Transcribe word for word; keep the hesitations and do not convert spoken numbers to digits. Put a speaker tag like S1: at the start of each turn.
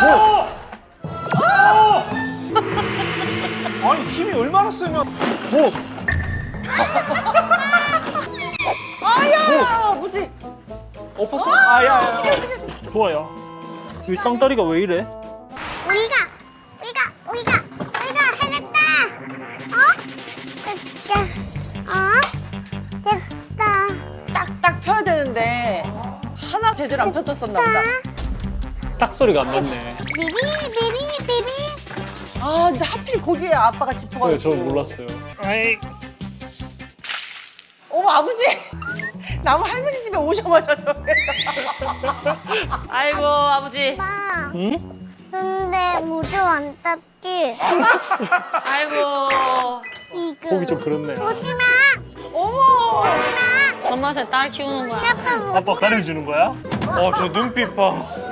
S1: 아니 힘이 얼마나 세면
S2: 뭐?
S3: 아야 뭐지?
S1: 엎었어? 아야야.
S2: 좋아요. 이 쌍다리가 왜 이래?
S4: 우리가 우리가 우리가 우리가 해냈다. 어? 됐다. 어? 됐다.
S3: 딱딱 펴야 되는데 하나 제대로 안 펴졌었나 보다.
S2: 딱 소리가 안 났네.
S4: 비비 비비 비비.
S3: 아 근데 하필 거기에 아빠가
S2: 네,
S3: 짚어가지고.
S2: 저 몰랐어요. 아이,
S3: 어머 아버지 나무 할머니 집에 오자마자 저래.
S5: 아이고 아버지.
S4: 봐.
S2: 응?
S4: 근데 우주 안 땄지.
S5: 아이고.
S4: 이거.
S2: 보기 좀 그렇네.
S4: 오지 마.
S3: 어머.
S4: 오지 마.
S5: 손맛에 딸 키우는 거야.
S4: 아빠 뭐?
S2: 아빠 가려주는 거야?
S1: 어 저 눈빛 봐.